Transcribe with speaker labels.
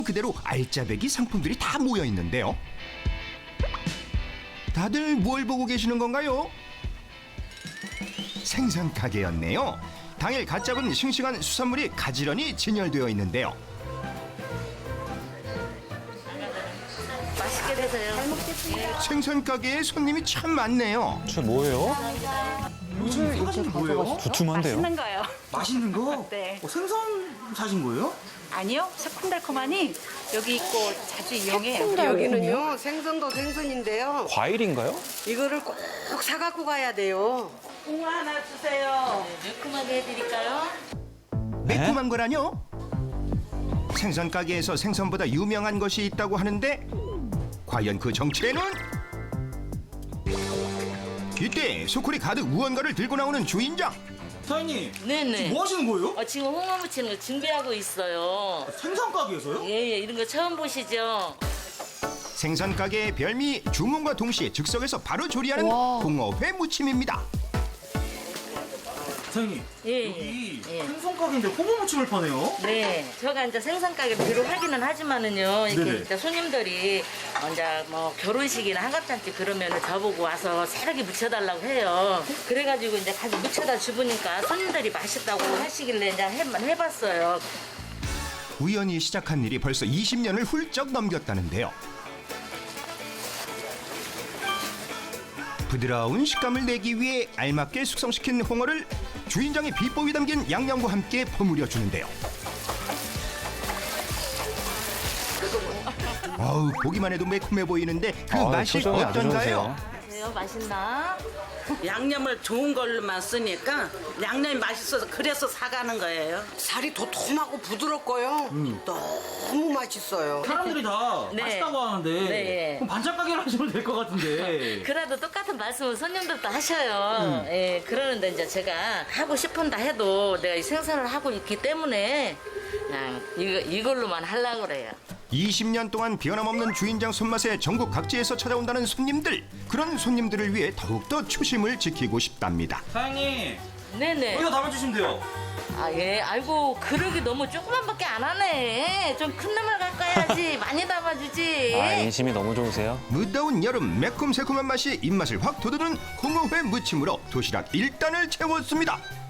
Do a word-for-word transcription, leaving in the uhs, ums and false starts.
Speaker 1: 그대로 알짜배기 상품들이 다 모여 있는데요. 다들 뭘 보고 계시는 건가요? 생선 가게였네요. 당일 갓 잡은 싱싱한 수산물이 가지런히 진열되어 있는데요.
Speaker 2: 맛있게 드세요. 잘 먹겠습니다.
Speaker 1: 생선 가게에 손님이 참 많네요.
Speaker 3: 저 뭐예요?
Speaker 4: 요즘 사진 뭐예요?
Speaker 3: 두툼한데요?
Speaker 2: 맛있는 거요.
Speaker 4: 맛있는 거?
Speaker 2: 네.
Speaker 4: 어, 생선 사신 거예요?
Speaker 2: 아니요, 새콤달콤하니 여기 있고 자주 이용해요.
Speaker 5: 여기는요 생선도 생선인데요.
Speaker 3: 과일인가요?
Speaker 5: 이거를 꼭 사갖고 가야 돼요.
Speaker 2: 홍어 하나 주세요. 매콤하게 해드릴까요?
Speaker 1: 매콤한 거라뇨? 생선 가게에서 생선보다 유명한 것이 있다고 하는데 과연 그 정체는? 이때 소쿠리 가득 무언가를 들고 나오는 주인장.
Speaker 4: 사장님,
Speaker 2: 네네.
Speaker 4: 지금 뭐 하시는 거예요?
Speaker 2: 어, 지금 홍어 무치는 거 준비하고 있어요.
Speaker 4: 생선 가게에서요?
Speaker 2: 예예, 이런 거 처음 보시죠?
Speaker 1: 생선 가게의 별미 주문과 동시에 즉석에서 바로 조리하는 홍어회 무침입니다.
Speaker 4: 사장님,
Speaker 2: 예,
Speaker 4: 여기
Speaker 2: 예.
Speaker 4: 생선 가게인데 호모 무침을 파네요?
Speaker 2: 네, 제가 이제 생선 가게를 비록 하기는 하지만은요, 이렇게
Speaker 4: 네네.
Speaker 2: 이제 손님들이 이제 뭐 결혼식이나 한갑잔치 그러면은 저보고 와서 새롭게 무쳐달라고 해요. 그래가지고 이제 가서 무쳐다 주부니까 손님들이 맛있다고 하시길래 이제 해, 해봤어요.
Speaker 1: 우연히 시작한 일이 벌써 이십 년을 훌쩍 넘겼다는데요. 부드러운 식감을 내기 위해 알맞게 숙성시킨 홍어를 주인장의 비법이 담긴 양념과 함께 버무려 주는데요. 어우, 보기만 해도 매콤해 보이는데 그
Speaker 3: 아,
Speaker 1: 맛이
Speaker 3: 표정이 아주
Speaker 1: 어떤가요?
Speaker 3: 좋으세요.
Speaker 2: 그래요? 맛있나?
Speaker 6: 양념을 좋은 걸로만 쓰니까 양념이 맛있어서 그래서 사가는 거예요.
Speaker 5: 살이 도톰하고 부드럽고요. 너무 맛있어요.
Speaker 4: 사람들이 다
Speaker 2: 네.
Speaker 4: 맛있다고 하는데
Speaker 2: 네.
Speaker 4: 그럼 반찬 가게를 하시면 될 것 같은데.
Speaker 2: 그래도 똑같은 말씀을 손님들도 하셔요. 예, 그러는데 이제 제가 하고 싶은다 해도 내가 이 생산을 하고 있기 때문에 그냥 이거, 이걸로만 하려고 그래요.
Speaker 1: 이십 년 동안 변함없는 주인장 손맛에 전국 각지에서 찾아온다는 손님들. 그런 손님들을 위해 더욱더 초심을 지키고 싶답니다.
Speaker 4: 사장님,
Speaker 2: 네네.
Speaker 4: 여기다 담아주시면 돼요.
Speaker 2: 아, 예. 아이고, 그러기 너무 조그만밖에 안 하네. 좀 큰 놈을 갖고 와야지. 많이 담아주지.
Speaker 3: 아, 인심이 너무 좋으세요?
Speaker 1: 무더운 여름 매콤새콤한 맛이 입맛을 확 돋우는 홍어회 무침으로 도시락 일 단을 채웠습니다.